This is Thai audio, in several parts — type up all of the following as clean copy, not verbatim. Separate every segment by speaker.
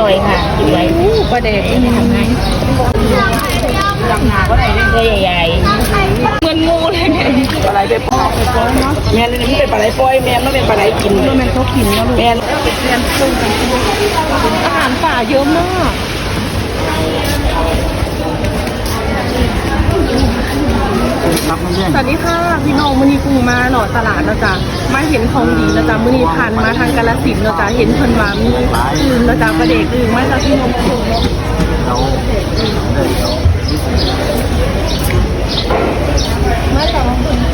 Speaker 1: ร่อยค่ะกินไว้ประเด็กทำไงดังนาก็ได้ตัวใหญ่ๆเหมือนงูเลยไงปลาไหลไปปล่อยเนาะแม่นี่มันเป็นปลาไหลปล่อยแม่ไม่เป็นปลาไหลกินแม่เขากินแล้วแม่อาหารป่าเยอะมากสวัสดีค่ะพี่น้องมื้อนี้กุ้งมาหล่อตลาดนะจ๊ะมาเห็นของดีนะจ๊ะมื้อนี้ผ่านมาทางกาฬสินธุ์นะจ๊ะเห็นเพิ่นว่ามีอื่นนะจ๊ะประเด็กอื่นมาจากพี่น้องมาจาก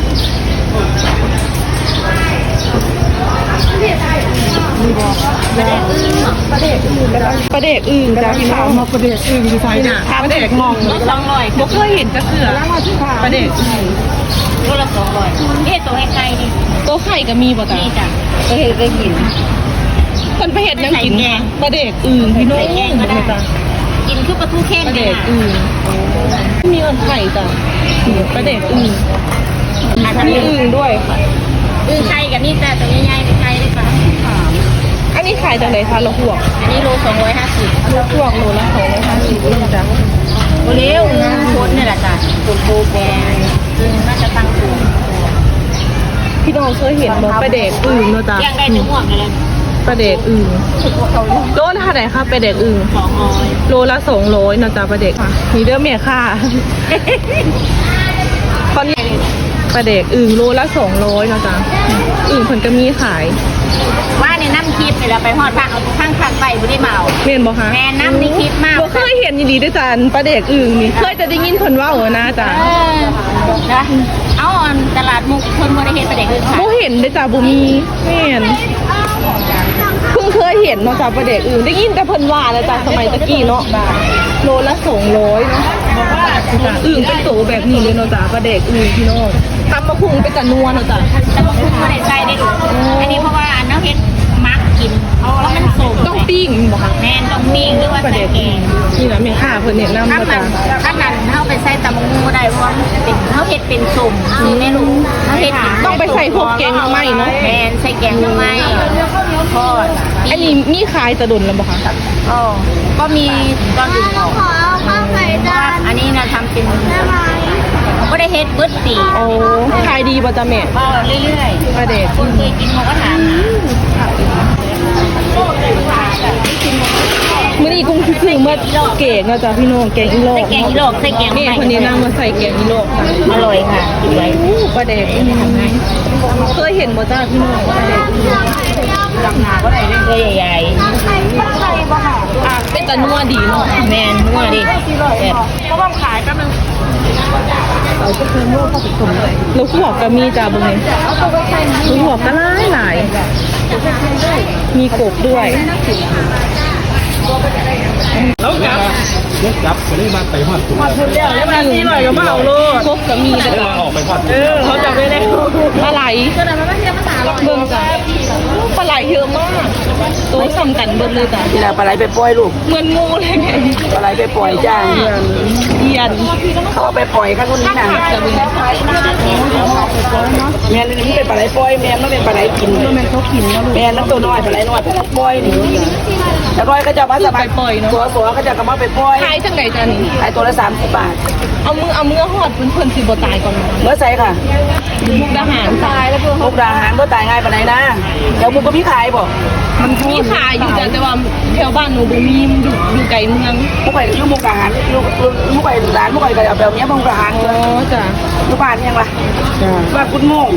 Speaker 1: ประเด็กอื่นจ้ะพี่น้องมาประเด็กอื่นดีไซน์น่ะประเด็กงง200บ่เคยเห็นจะเสือประเด็กตัวละ200นี่ตัวไข่ดิตัวไข่ก็มีบ่จ้ะนี่จ้ะก็เห็นก็กินคนไปเห็ดยังกินประเด็กอื่นพี่น้องจ้ะกินคือปลาทูแค่ประเด็กอื่นมีอันไข่จ้ะประเด็กอื่นมีอื่นด้วยค่ะไข่กับนี่แต่ตัวใหญ่ๆเป็นไข่ด้วยค่ะอันนี้ขายจากไหนคะโลหวกอันนี้โล250โลหวกโลละ250จ้ะโอเลี้ยวนะคนนี่แหละจ้ะตุ่มโบแกงน่าจะตั้งตัวพี่น้องเคยเห็นบ่ปลาเด็กอึ่งเนาะจ้ะแกงได้ทั้งหมดเลยปลาเด็กอึ่งโลเท่าไหร่คะปลาเด็กอึ่ง200โลละ200เนาะจ้ะปลาเด็กมีเด้อแม่ค่ะตอนนี้ปลาเด็กอึ่งโลละ200เนาะจ้ะอึ่งเพิ่นก็มีขายว่าในน้ำคลิปเนี่ยเราไปหอดผักเอาข้างไปไม่ได้เมาเม่นบอกคะแม่น้ำในคลิปมากเคยเห็นดีด้วยจันปลาเด็กอึ่งนี่เคยจะได้ยินคนว่าเหรอนะจ๊ะนะเอาตลาดมุกคนบริเห็นปลาเด็กอึ่งค่ะบุเห็นด้วยจ้ะบุมีเห็นเพิ่งเคยเห็นเนาะจ้ะปลาเด็กอึ่งได้ยินแต่เพิ่นว่านะจ๊ะสมัยตะกี้เนาะโลละ200เนาะอึ่งเป็นโตแบบนี้เลยเนาะจ้ะปลาเด็กอึ่งพี่น้องทำมะพุงเป็นจันนัวเนาะจ้ะทำมะพุงไม่ได้ใส่ได้ดูอันนี้เพราะว่าอันน้ำเห็ดมักกินเพราะมันสมต้องปิ้งบอกค่ะแม่ต้องปิ้งหรือว่าใส่แกงนี่นะแม่ข้าเพิ่นเนี่ยน้ำจ้ะถ้านั้นเข้าไปใส่ตำมูได้เพราะเป็นเขาเห็ดเป็นสมคือไม่รู้เขาเห็ดต้องไปใส่พวกแกงทำไมเนาะแม่ใส่แกงทำไมทอดอันนี้มีขายจะดุนแล้วบอกค่ะก็มีตอนอื่นขอข้าวไข่จานอันนี้นะทำเป็นก็ได้เฮ็ดเบิร์ดปีโอ้ขายดีป่ะจ๊ะแม่ก็เรื่อยๆประเด็กคนเคยกินเขาก็ถามมื้อนี้กุ้งคือเมื่อเก่งนะจ๊ะพี่น้องแกงอีโลกแกงอีโลกใส่แกงนี่คนนี้นั่งมาใส่แกงอีโลกอร่อยค่ะกินไว้ประเด็กเคยเห็นบ่จ้าพี่น้องประเด็กดังนาก็ได้ตัวใหญ่ๆเป็นตะนัวดีเนาะแมนนัวดีแบบก็ต้องขายแป๊บนึงเราก็คือโม่เข้าไปชมเลยลูกหัวก็มีจ้าบุ้งนี่ลูกหัวก็หลายมีกบด้วยแล้วจับก็ได้มาไปหอดถุงแล้วมันนี่หน่อยก็มาเอาลูกกบก็มีแต่ออกไปหอดเขาจับได้แล้วปลาไหลก็ได้มาเทียบภาษาเบิ่งจ้าปลาไหลเยอะมากตัวสำคัญเบิ่งเลยจ้าเวลาปลาไหลไปปล่อยลูกเหมือนงูเลยไงปลาไหลไปปล่อยจ้าเยียนเขาไปปล่อยข้างนู้นนี่นะแม่นี่มันเป็นปลาไหลปล่อยแม่ไม่เป็นปลาไหลกินแม่เขากินแม่น้ำตัวน้อยปลาไหลน้อยปลาไหลปล่อยนี่แล้วก็เขาจะมาสบายปล่อยเนาะตัวเขาจะกลับมาไปปล่อยขายจังไหนจ้านี่ขายตัวละ30 บาทเอามือหอดเพื่อนสิบ่ตายก่อนเมื่อใส่ค่ะมุกดาหารตายแล้วเพื่อนมุกดาหารก็ตายง่ายปานไหนนะเดี๋ยวมุกก็พี่ขายบ่มันมีขายอยู่แต่ว่าแถวบ้านหนูบ่มีอยู่ไกลเมืองมุกไก่ลูกมุกดาหารลูกมุกไก่ร้านมุกไก่ก็เอาแบบนี้มุกดาหารอ๋อจ้ะลูกบ้านยังล่ะบ้านคุณโม่ง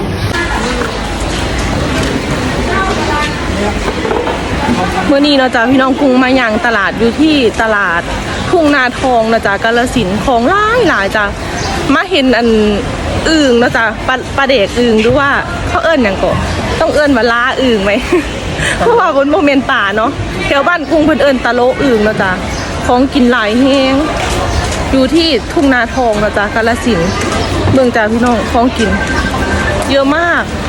Speaker 1: เมื่อนี้เนาะจ้ะพี่น้องกุ้งมาอย่างตลาดอยู่ที่ตลาดทุ่งนาทองนะจ๊ะกาฬสินธุ์ของหลายจ้ะมาเห็นอันอึ่งนะจ๊ะปลาเด็กอึ่งดูว่าเขาเอิ้นอย่างก็ต้องเอิ้นว่าล้าอึ่งไหม เพราะว่าบนโมเมนต์ป่าเนาะแถวบ้านกุ้งเพิ่นเอิ้นตะโลอึ่งนะจ๊ะของกินหลายแห้งอยู่ที่ทุ่งนาทองนะจ๊ะกาฬสินธุ์เมืองจ้ะพี่น้องของกินเยอะมาก